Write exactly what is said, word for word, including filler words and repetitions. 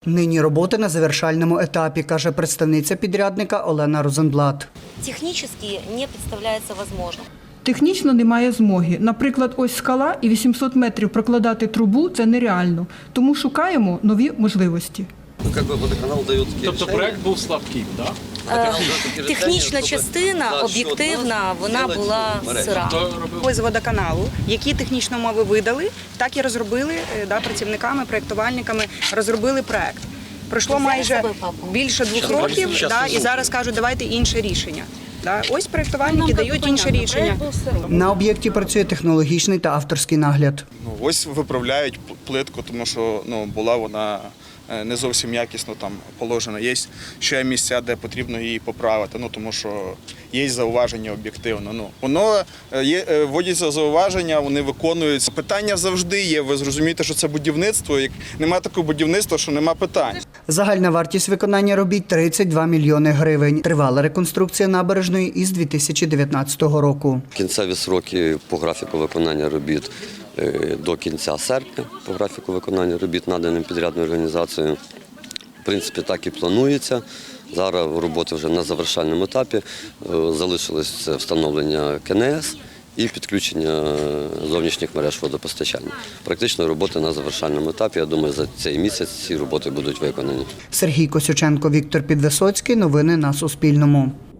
Нині роботи на завершальному етапі, каже представниця підрядника Олена Розенблат. Технически не представляется возможным. Технічно немає змоги. Наприклад, ось скала і вісімсот метрів прокладати трубу – це нереально. Тому шукаємо нові можливості. Ну, как бы водоканал дает такие Тобто решения. проект був слабкий, так? Е, Технічна частина, об'єктивна, вона була сира. Ось з водоканалу, які технічні умови видали, так і розробили е, да, працівниками, проєктувальниками, розробили проект. Пройшло майже більше двох років, да, і зараз кажуть, давайте інше рішення. Да. Ось проєктувальники дають інше рішення. На об'єкті працює технологічний та авторський нагляд. Ну, ось виправляють плитку, тому що ну, була вона не зовсім якісно там положена. Є ще місця, де потрібно її поправити, ну, тому що є зауваження об'єктивно. Ну, воно є, вводяться зауваження, вони виконуються. Питання завжди є, ви зрозумієте, що це будівництво, як немає такого будівництва, що нема питань. Загальна вартість виконання робіт – тридцять два мільйони гривень. Тривала реконструкція набережної із дві тисячі дев'ятнадцятого року. Кінцеві сроки по графіку виконання робіт до кінця серпня, по графіку виконання робіт, наданим підрядною організацією. В принципі, так і планується. Зараз роботи вже на завершальному етапі. Залишилось встановлення КНС і підключення зовнішніх мереж водопостачання. Практично роботи на завершальному етапі. Я думаю, за цей місяць ці роботи будуть виконані. Сергій Косюченко, Віктор Підвисоцький. Новини на Суспільному.